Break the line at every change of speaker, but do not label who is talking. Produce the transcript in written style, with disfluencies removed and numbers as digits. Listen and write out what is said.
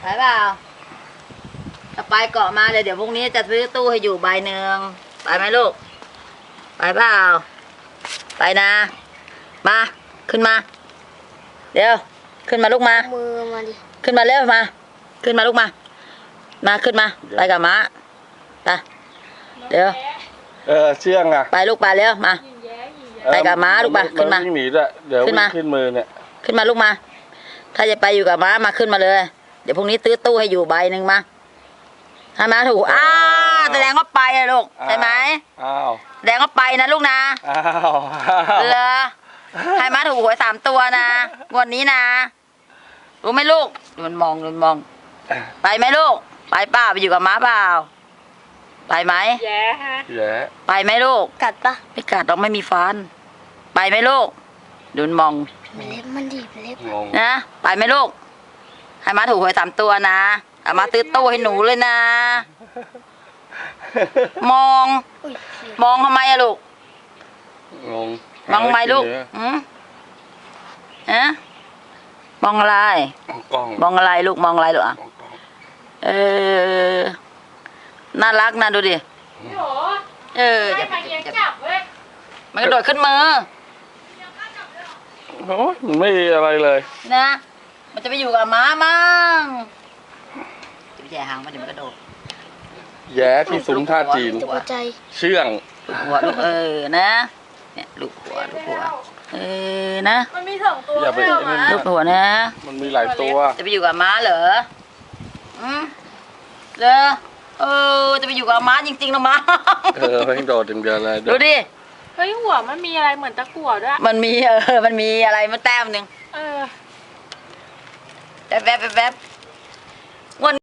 เปล่าถ้าไปเกาะมาเลยเดี๋ยวพรุ่งนี้จะซื้อตู้ให้อยู่ใบหนึ่งไปไหมลูกไปเปล่าไปนะมาขึ้นมาเดี๋ยวขึ้นมาลูกมา
มือมาดิ
ขึ้นมาเร็วมาขึ้นมาลูกมาขึ้นมาไปกับม้าไปเดี๋ยว
เชื่องอ่ะ
ไปลูกไปเร็วมาไปกับม้าลูกไปขึ้นมา
วิ่งหนีด้วยเดี๋ยววิ่งขึ้นมือเนี่ย
ขึ้นมาลูกมาถ้าจะไปอยู่กับม้ามาขึ้นมาเลยเดี๋ยวพรุ่งนี้ซื้อตู้ให้อยู่ใบหนึ่งมาให้ม้าถูกแสดงว่าไปอะลูกใช่ไหมแสดงว่าไปนะลูกนะเหรอให้ม้าถูกหวย3 ตัวนะงวดนี้นะรู้ไหมลูกมันมองไปไหมลูกไปเปล่าไปอยู่กับม้าเปล่าไปไหม
แย่
ไปไหมลูก
กัดปะ
ไม่กัดเราไม่มีฟันไปไหมลูกดูมอง
เล็บมันดีเล็บ
นะไปไหมลูกให้ม้าถูกหวย3 ตัวนะเอามาซื้อตู้ให้หนูเลยนะมองทำไมอะลูกมองทำไมลูกมองอะไรมองอะไรลูกมองอะไรลูกอ่ะน่ารักนะดูดิ
จะไปเลี้ยงจับเว้ย
มันกระโดดขึ้นมือ
โอ้ยมันไม่อะไรเลย
นะมันจะไปอยู่กับม้ามั่งจะไปแย่หางมันเดี๋ยวมันกระโดด
แย่ที่ซุ้มท่าจีนเชื่อง
หัวลูกนะเนี่ยลูกหัวนะ
มันมี2 ตัวไม่เอามา
ลูกหัวนะ
มันมีหลายตัว
จะไปอยู่กับม้าเหรอเหรอจะไปอยู่กับม้าจริงๆนะม้า
ไม่โดดอย่างเดียวเลย
ดูดิ
เฮ้ยหัวมันมีอะไรเหมือนตะกั่วด้วย
มันมีมันมีอะไรมาแต้มหนึ่งแป๊บ